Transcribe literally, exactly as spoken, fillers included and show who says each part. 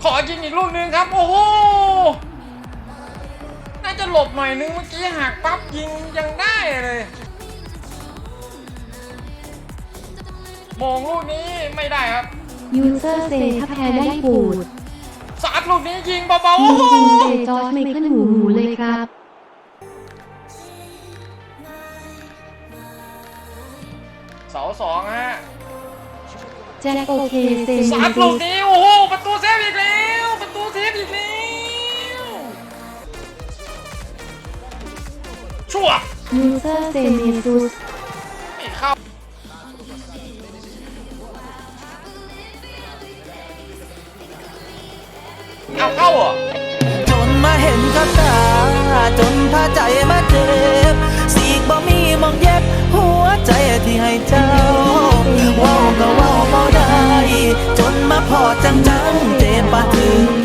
Speaker 1: ขอยิงอีกลูกนึงครับโอ้โหน่าจะหลบหน่อยนึงเมื่อกี้หักปั๊บยิงยังได้เลยมงลูกนี้ไม่ได้ครับ
Speaker 2: ยูเซอร์เซถ้าแพ้ได้ปูด
Speaker 1: สาดลูกนี้ยิงเบาๆโอ้โห
Speaker 2: เจจอร์จไม่ขึ้นหูหมูเลยครับ
Speaker 1: เสาสองฮะ
Speaker 2: แจ็คโอเคเซม
Speaker 1: สาดลูกนี้โอ้โหประตูเซฟอีกแล้วประตูเซฟอีกแล้วชั่ว
Speaker 2: ยูเซอร์เซเมซุส
Speaker 1: ไม่เข้าเอาเข้าเหรอ
Speaker 3: จนมาเห็นกับตาจนพาใจมาเจ็บสีกบ่มีมองเย็บหัวใจที่ให้เจ้าว้าวก็ว้าวบ่ได้จนมาพอจังจังเจ็บปะถึง